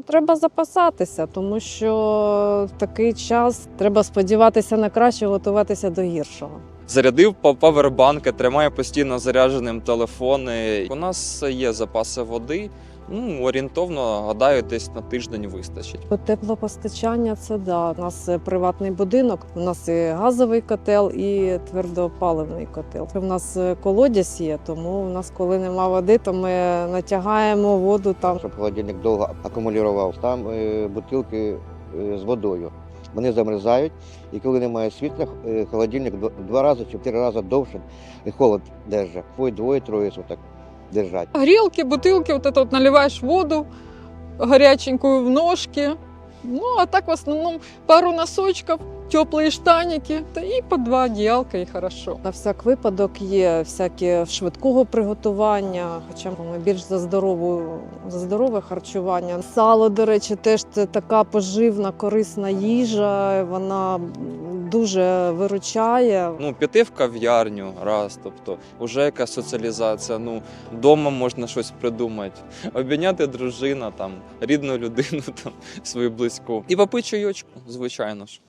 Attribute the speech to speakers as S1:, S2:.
S1: Треба запасатися, тому що в такий час треба сподіватися на краще, готуватися до гіршого.
S2: Зарядив павербанки, тримаю постійно зарядженим телефони. У нас є запаси води. Орієнтовно, гадаю, десь на тиждень вистачить.
S1: Теплопостачання – це да. У нас приватний будинок, у нас і газовий котел, і твердопаливний котел. У нас колодязь є, тому у нас, коли нема води, то ми натягаємо воду там.
S3: Щоб холодильник довго акумулював. Там бутилки з водою. Вони замерзають, і коли немає світла, холодильник 2 рази чи 4 рази довше і холод держить. Двоє-троє суток держать.
S4: Грелки, бутылки, вот это вот наливаешь воду горяченькую в ножки. Ну, а так в основном пару носочков, теплые штаники, да и по 2 одеялка, и хорошо.
S1: На всяк випадок є всякі швидкого приготування, хоча ми більш за здорове харчування. Сало, до речі, теж це така поживна, корисна їжа, вона дуже виручає.
S2: Піти в кав'ярню раз, тобто вже якась соціалізація. Вдома можна щось придумати, обійняти дружину, рідну людину, свою близьку. І попити чайочку, звичайно ж.